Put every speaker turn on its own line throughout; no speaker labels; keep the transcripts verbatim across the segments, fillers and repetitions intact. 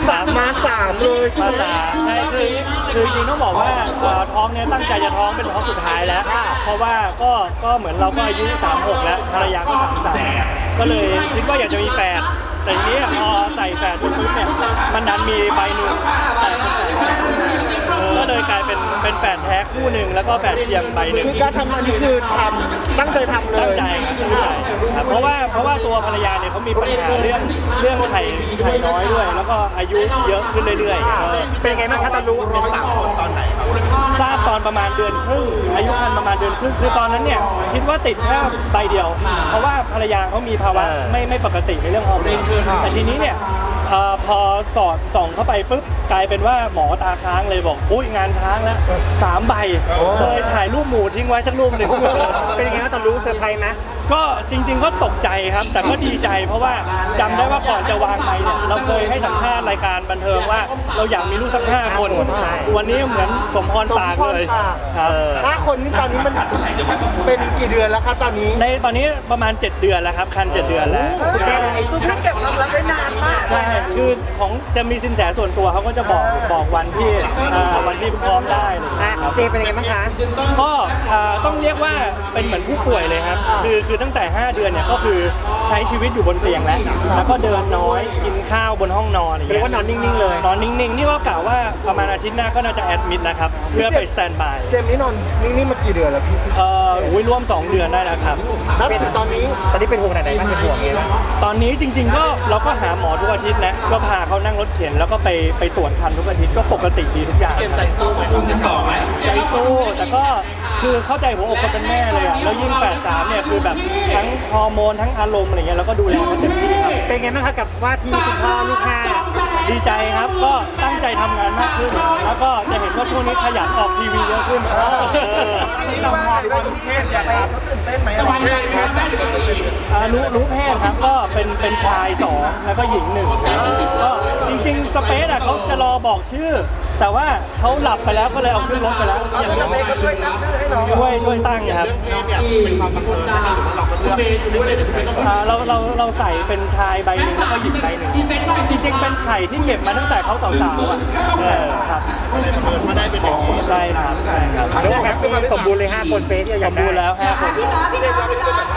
มาสามเลยใช่
มา
ไหม
สามใช่คือคือจริงต้องบอกว่าท้องเนี่ยตั้งใจจะท้องเป็นท้องสุดท้ายแล้วเพราะว่าก็ก็เหมือนเราก็อายุสามหกแล้วภรรยาก็สามสามก็เลยคิดว่าอยากจะมีแฟนแต่ทีนี้พอใส่แฟนปุ๊บเนี่ยมันดันมีใบหนึ่งแต่เป็นแฝดก็เลยกลายเป็นเป็นแฝดแท้คู่หนึ่งแล้วก็แฝดเทียมใบหนึ่ง
คือการทำอันนี้คือทำตั้งใจทำเลย
ตั้งใจตั้งใจครับเพราะว่าเพราะว่าตัวภรรยาเนี่ยเขามีปัญหาเรื่องเรื่องไข่ไข่น้อยด้วย แล้วก็อายุเยอะขึ้นเรื่อยๆเป็นไงบ้างครับตอนรู้เป็นสามคนตอนไหนครับทราบตอนประมาณเดือนครึ่งอายุครรภ์ประมาณเดือนครึ่งคือตอนนั้นเนี่ยคิดว่าติดแค่ใบเดียว เพราะว่าภรรยาเขามีภาวะไม่ไม่ปกติในเรื่องฮอร์โมนแต่ทีนี้เนี่ยพอสอดส่องเข้าไปปุ๊บกลายเป็นว่าหมอตาค้างเลยบอกอุ้ยงานช้างแล้วสามใบเลยถ่ายรูปหมูทิ้งไว้สักรูปหนึ่งเป็นยังไงตอนรู้เซอร์ไพรส์ไหมก็จริงๆก็ตกใจครับแต่ก็ดีใจเพราะว่าจำได้ว่าก่อนจะวางไปเนี่ยเราเคยให้สัมภาษณ์รายการบันเทิงว่าเราอยากมีลูกสักห้าคนวันนี้เหมือนสมพรปากเลยครับ
ห้าคนนี่ตอนนี้มันเป็นกี่เดือนแล้วครับตอนนี้
ในตอนนี้ประมาณเจ็ดเดือนแล้วครับคันเจ็ดเดือนแล้ว
คือพี่เก็บความลับไว้นานมาก
ใช่คือของจะมีสินแสส่วนตัวเขาก็จะบอกบอกวันที่วันที่พร้อมได้เลยครับ
เจเป็นยังไงบ้างคะ
ก็ต้องเรียกว่าเป็นเหมือนผู้ป่วยเลยครับคือคือตั้งแต่ห้าเดือนเนี่ยก็คือใช้ชีวิตอยู่บนเตียงแล้วแล้วก็เดินน้อยกินข้าวบนห้องนอนอย่างเงี้ย
เรียกว่านอนนิ่งๆเลย
นอนนิ่งๆนี่ว่ากล่าวว่าประมาณอาทิตย์หน้าก็น่าจะแอดมิดนะครับเพื่อไปสแตนบาย
เจมนี่นอนนิ่งๆมากี่เดือนแล้วพี่
เอ่ออุ้ยร่วมสองเดือนได้แล้วครับ
แล้วตอนนี้
ตอนนี้เป็นห่วงไหนบ้างเป็นห่วงไงตอนนี้จริงๆก็เราก็หาหมอทุกอาทิตย์นะก็พาเขานั่งรถเข็นแล้วก็ไปไปตรวจคันทุกอาทิตย์ก็ปกติดีทุกอย่าง
ใจสู้ไหมคุณจะต่อไหม
ใจสู้แต่ก็คือเข้าใจหัวอกคนเป็นแม่เลยอ่ะแล้วยิ่งแฝดสามเนี่ยคือแบบทั้งฮอร์โมนทั้งอารมณ์อะไรเงี้ยแล้วก็ดูแลเขาเต็มที่ครับ
เป็นไงบ้างครับกับว่าที่คุณพ่อลูกห้า
ดีใจครับก็ตั้งใจทำงานมากขึ้นแล้วก็จะเห็นว่าช่วงนี้ขยันออกทีวีเยอะขึ้น
นี่เรามองว่าลูกเพศอยากไปเขาตื่นเต้นไหม
รู้รู้เพศครับก็เป็นเป็นชายสองแล้วก็หญิงหนึ่งก็จริงๆสเปซอ่ะเขาจะรอบอกชื่อแต่ว่าเขาหลับไปแล้วก็เลยเอาขึ้นรถไปแล้ว
อย่างสเปซก็ช่วยตั้งชื่อให้น้อง
ช่วยช่วยตั้งครับ
เป็นความบังเอิญนะครับหรือว่าเราก็เลือก
เราเราเราใส่เป็นชายใบหนึ่งแล้วก็หญิงใบหนึ่งจริงๆเป็นไข่ที่เก็บมาตั้งแต่เขาสาวๆอ่ะครับ
เลยบังเอิญมาได้เป็นอย่างนี้
ใช่ครับใช่ครับ
แล้วแบบเป็นความสมบูรณ์เลยห้าคนเป๊ะที่อยากได้
สมบูรณ์แล้วห้าคน
พี่น้องพี่น้องพี่น้อง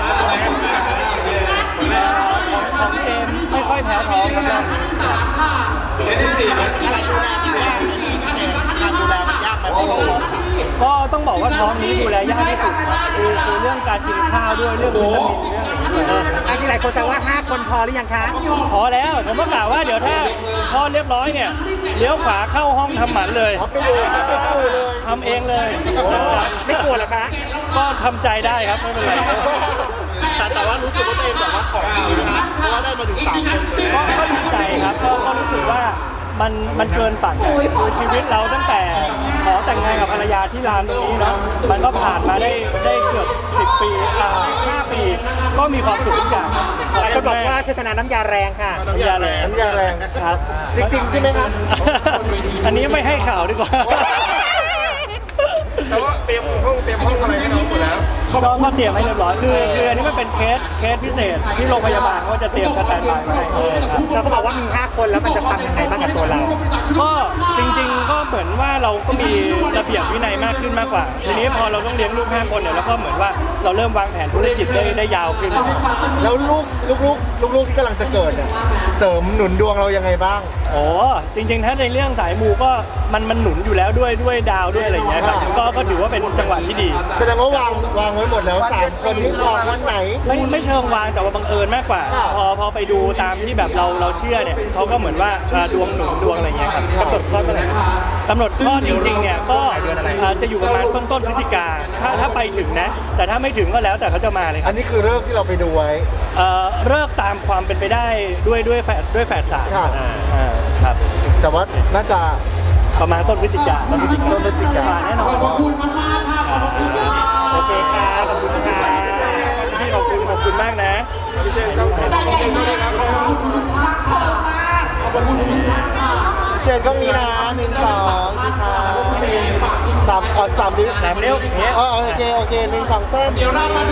ของเจมไม่ค่อยแพ้ท้องครับก็ต้องบอกว่าท้องนี้ดูแลยากที่สุดคือคือเรื่องการกินข้าวด้วยเรื่องวิตามินเรื่อง
อะไรที่หลายคนแซวว่าห้าคนพอหรือยังคะ
พอแล้วผมก็กล่าวว่าเดี๋ยวถ้าพอเรียบร้อยเนี่ยเลี้ยวขวาเข้าห้องทำหมันเลยทำเองเลย
ไม่กลัวหรอคะ
ก็ทำใจได้ครับไม่เป็นไร
แต่แต่ว่ารู้สึกว่าตัวเองแบบว่าของดีนะเพราะว่าได้มาถึงสามคน
ก็ก็ดีใจครับก็ก็รู้สึกว่ามันมันเกินฝันคือชีวิตเราตั้งแต่ขอแต่งงานกับภรรยาที่ร้านตรงนี้เนาะมันก็ผ่านมาได้ได้เกือบสิบปีอ่าห้าปีก็มีความสุขทุกอย่าง
หลายคนบอกว่าเชตนาน้ำยาแรงค่ะ
น้ำยาแรง
น้ำยาแรง
ครับ
จริงๆใช่ไหมครับ
อันนี้ไม่ให้ข่าวดีกว่า
แต่ว่าเตรียมห้องเตรียมห้องอะไรให้น้องหมดแล้ว
ก็ก็เตรียมให้เรียบร้อยคือคืออันนี้มันเป็นเคสเคสพิเศษที่โรงพยาบาลเขาจะเตรียมสแตนด์บายมาให้ครับ
แล้วเขาบอกว่ามีห้าคนแล้วมันจะทำยังไงบ้างกับตัวเรา
ก็จริงๆก็เหมือนว่าเราก็มีระเบียบวินัยมากขึ้นมากกว่าทีนี้พอเราต้องเลี้ยงลูกห้าคนเนี่ยแล้วก็เหมือนว่าเราเริ่มวางแผนธุรกิจได้ได้ยาวขึ้น
แล้วลูกลูกลูกลูกลูกที่กำลังจะเกิดเนี่ยเสริมหนุนดวงเรายังไงบ้าง
โอ้จริงๆถ้าในเรื่องสายมูก็มันมันหนุนอยู่แล้วด้วยด้วยดาวด้วยอะไรอย่างเงี้ยครับก็ก็ถือว่าเป็นจังหวะที่ดี
แสดงว่าวางวางไว้หมดแล้วสามคนนี้วางวันไหน
ไม่ไม่เชิงวางแต่ว่าบังเอิญมากกว่าพอพอไปดูตามที่แบบเราเราเชื่อเนี่ยเขาก็เหมือนว่าดวงหนุนดวงอะไรเงี้ยครับกำหนดคลอดเมื่อไหร่กำหนดคลอดจริงๆเนี่ยก็จะอยู่ประมาณต้นต้นพฤศจิกาถ้าถ้าไปถึงนะแต่ถ้าไม่ถึงก็แล้วแต่เขาจะมาเลย
อันนี้คือเลิกที่เราไปดูไว้
เลิกตามความเป็นไปได้ด้วยด้วยแฝดด้วยแฝดสามครับ
แต่ว่าน่าจะ
ประมาณต้นพฤศจิกาต้นพฤศจิกา
ต้นพฤศจิกา
แน่นอน
ขอบคุณมากมากค่ะขอบคุณค่ะ
โอเคครับขอบคุณค่ะพี่ขอบคุณขอบคุณมากนะพี่เชนครับ
ใจใหญ่มากขอบคุณทุกท่านขอบคุณมากขอบคุณทุกท่านค่ะ
เชนก็มีนะหนึ่งสองค่ะสามขอสามนิ้ว
สามนิ้ว
โอเคโอเคหนึ่งสองสาม